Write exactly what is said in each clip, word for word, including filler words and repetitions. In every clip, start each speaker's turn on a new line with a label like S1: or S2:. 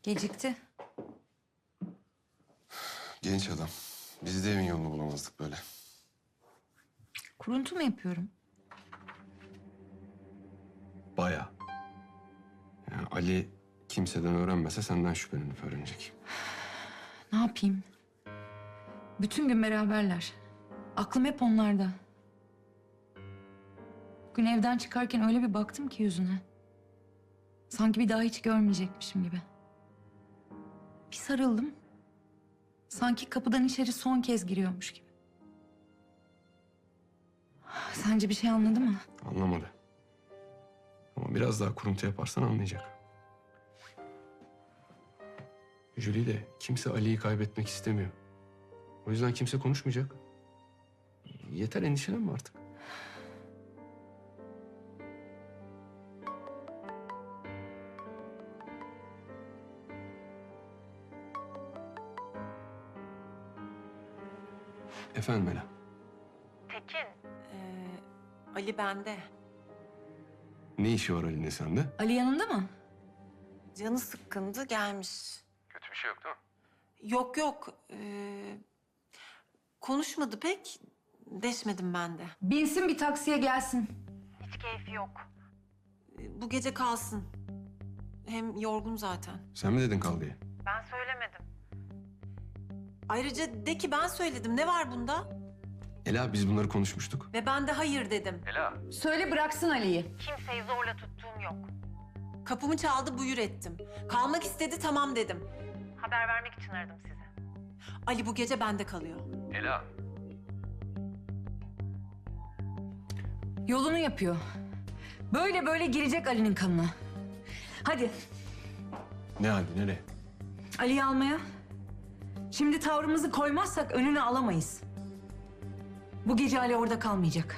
S1: Gecikti.
S2: Genç adam. Biz de evin yolunu bulamazdık böyle.
S1: Kuruntu mu yapıyorum?
S2: Baya. Yani Ali kimseden öğrenmese senden şüphelenip öğrenecek.
S1: Ne yapayım? Bütün gün beraberler. Aklım hep onlarda. Bugün evden çıkarken öyle bir baktım ki yüzüne. Sanki bir daha hiç görmeyecekmişim gibi. Bir sarıldım. Sanki kapıdan içeri son kez giriyormuş gibi. Sence bir şey anladı mı?
S2: Anlamadı. Ama biraz daha kuruntu yaparsan anlayacak. Julie de kimse Ali'yi kaybetmek istemiyor. O yüzden kimse konuşmayacak. Yeter, endişelenme artık. Efendim Ela.
S3: Tekin. Ee, Ali bende.
S2: Ne işi var Ali'nin sende?
S1: Ali yanında mı?
S3: Canı sıkkındı gelmiş.
S2: Kötü bir şey yok değil mi?
S3: Yok yok. Ee, konuşmadı pek. Deşmedim ben de.
S1: Binsin bir taksiye gelsin.
S3: Hiç keyfi yok. Ee, bu gece kalsın. Hem yorgun zaten.
S2: Sen mi dedin kal diye?
S3: Ben söylemedim. Ayrıca de ki ben söyledim. Ne var bunda?
S2: Ela, biz bunları konuşmuştuk.
S3: Ve ben de hayır dedim.
S1: Söyle bıraksın Ali'yi.
S3: Kimseyi zorla tuttuğum yok. Kapımı çaldı, buyur ettim. Kalmak istedi, tamam dedim. Haber vermek için aradım sizi. Ali bu gece bende kalıyor.
S1: Yolunu yapıyor. Böyle böyle girecek Ali'nin kanına. Hadi
S2: Ne halde, nereye?
S1: Ali'yi almaya. Şimdi tavrımızı koymazsak önüne alamayız. Bu gece Ali orada kalmayacak.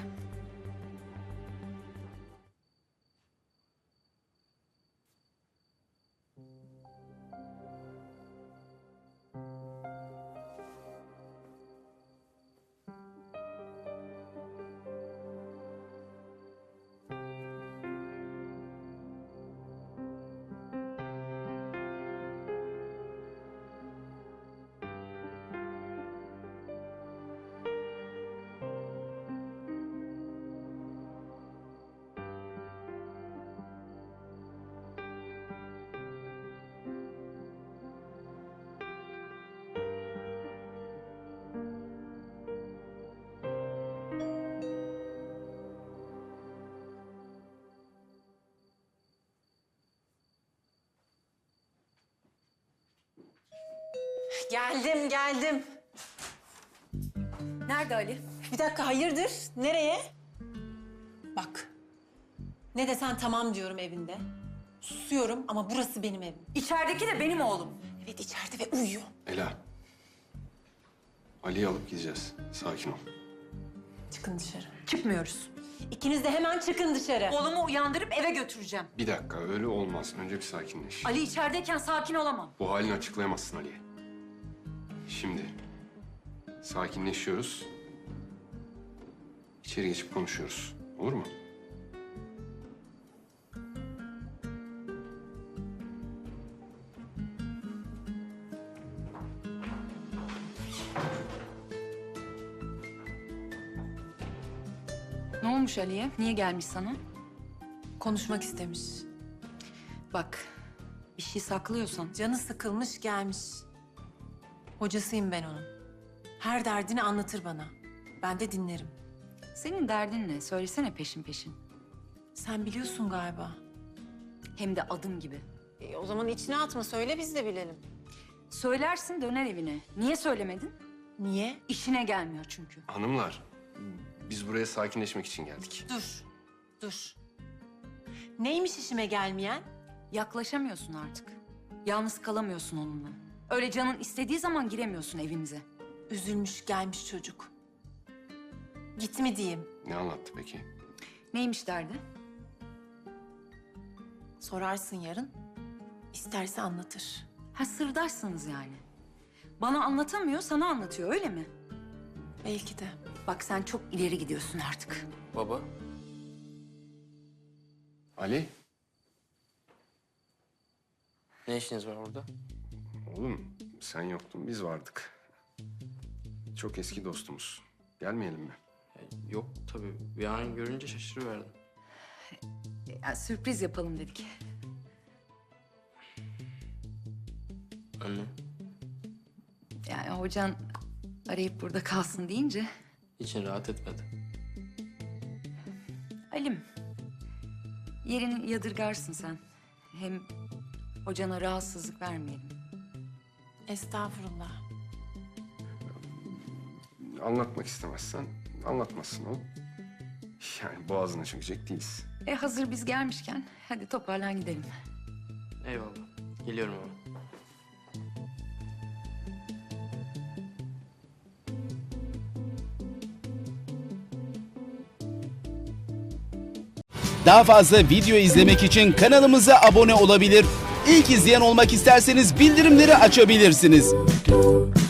S3: Geldim, geldim.
S1: Nerede Ali?
S3: Bir dakika, hayırdır? Nereye? Bak, ne desen tamam diyorum evinde. Susuyorum ama burası benim evim.
S1: İçerideki de benim oğlum.
S3: Evet, içeride ve uyuyor.
S2: Ela. Ali'yi alıp gideceğiz. Sakin ol.
S3: Çıkın dışarı.
S1: Çıkmıyoruz.
S3: İkiniz de hemen çıkın dışarı.
S1: Oğlumu uyandırıp eve götüreceğim.
S2: Bir dakika, öyle olmaz. Önce bir sakinleş.
S1: Ali içerideyken sakin olamam.
S2: Bu halini açıklayamazsın Ali'ye. Şimdi sakinleşiyoruz. İçeri geçip konuşuyoruz. Olur mu?
S1: Ne olmuş Ali'ye? Niye gelmiş sana?
S3: Konuşmak istemiş.
S1: Bak, bir şey saklıyorsan
S3: Canı sıkılmış gelmiş. Hocasıyım ben onun. Her derdini anlatır bana. Ben de dinlerim.
S1: senin derdin ne? Söylesene peşin peşin.
S3: Sen biliyorsun galiba.
S1: Hem de adım gibi.
S3: E, o zaman içine atma, söyle biz de bilelim.
S1: Söylersin döner evine. Niye söylemedin?
S3: Niye?
S1: İşine gelmiyor çünkü.
S2: Hanımlar, biz buraya sakinleşmek için geldik.
S3: Dur, dur. Neymiş işime gelmeyen?
S1: Yaklaşamıyorsun artık. Yalnız kalamıyorsun onunla. Öyle canın istediği zaman giremiyorsun evimize.
S3: Üzülmüş gelmiş çocuk. Git mi diyeyim?
S2: Ne anlattı peki?
S1: Neymiş derdi?
S3: Sorarsın yarın. İsterse anlatır.
S1: Ha sırdaşsınız yani. Bana anlatamıyor, sana anlatıyor öyle mi?
S3: Belki de.
S1: Bak sen çok ileri gidiyorsun artık.
S2: Baba. Ali.
S4: Ne işiniz var burada?
S2: Oğlum sen yoktun, biz vardık. Çok eski dostumuz. Gelmeyelim mi?
S4: Ya, yok tabii. Bir an görünce şaşırıverdim.
S1: Ya, sürpriz yapalım dedik.
S4: Anne,
S1: Yani hocan arayıp burada kalsın deyince...
S4: için rahat etmedi.
S1: Halim, yerini yadırgarsın sen. Hem hocana rahatsızlık vermeyelim.
S3: Estağfurullah.
S2: Anlatmak istemezsen anlatmazsın oğlum. Yani boğazına çökecek değiliz.
S1: E hazır biz gelmişken hadi toparlan gidelim.
S4: Eyvallah. Geliyorum ama.
S5: Daha fazla video izlemek için kanalımıza abone olabilir. İlk izleyen olmak isterseniz bildirimleri açabilirsiniz.